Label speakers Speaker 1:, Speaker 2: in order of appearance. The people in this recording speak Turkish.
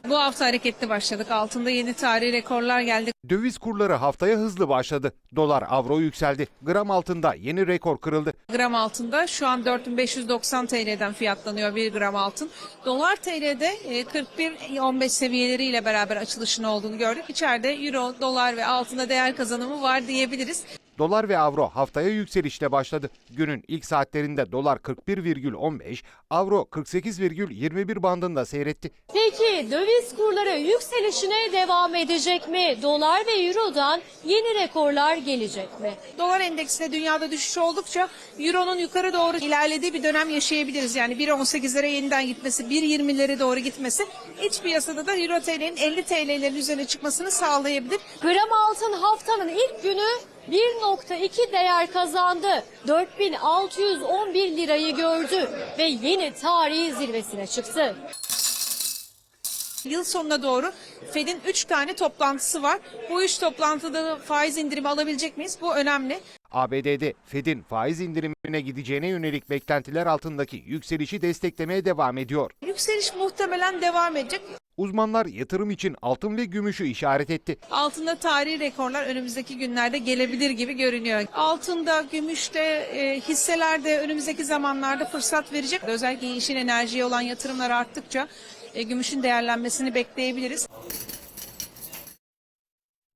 Speaker 1: Bu hafta hareketli başladık. Altında yeni tarihi rekorlar geldi.
Speaker 2: Döviz kurları haftaya hızlı başladı. Dolar, avro yükseldi. Gram altında yeni rekor kırıldı.
Speaker 1: Gram altında şu an 4590 TL'den fiyatlanıyor 1 gram altın. Dolar TL'de 41.15 seviyeleriyle beraber açılışın olduğunu gördük. İçeride euro, dolar ve altında değer kazanımı var diyebiliriz.
Speaker 2: Dolar ve avro haftaya yükselişle başladı. Günün ilk saatlerinde dolar 41,15, avro 48,21 bandında seyretti.
Speaker 3: Peki döviz kurları yükselişine devam edecek mi? Dolar ve Euro'dan yeni rekorlar gelecek mi?
Speaker 1: Dolar endeksinde dünyada düşüş oldukça euronun yukarı doğru ilerlediği bir dönem yaşayabiliriz. Yani 1.18'lere yeniden gitmesi, 1.20'lere doğru gitmesi iç piyasada da euro TL'nin 50 TL'lerin üzerine çıkmasını sağlayabilir.
Speaker 3: Gram altın haftanın ilk günü 1.2 değer kazandı. 4611 lirayı gördü ve yeni tarihi zirvesine çıktı.
Speaker 1: Yıl sonuna doğru Fed'in 3 tane toplantısı var. Bu 3 toplantıda faiz indirimi alabilecek miyiz? Bu önemli.
Speaker 2: ABD'de Fed'in faiz indirimine gideceğine yönelik beklentiler altındaki yükselişi desteklemeye devam ediyor.
Speaker 1: Yükseliş muhtemelen devam edecek.
Speaker 2: Uzmanlar yatırım için altın ve gümüşü işaret etti.
Speaker 1: Altında tarihi rekorlar önümüzdeki günlerde gelebilir gibi görünüyor. Altında, gümüşte, hisselerde önümüzdeki zamanlarda fırsat verecek. Özellikle yeşil enerjiye olan yatırımlar arttıkça gümüşün değerlenmesini bekleyebiliriz.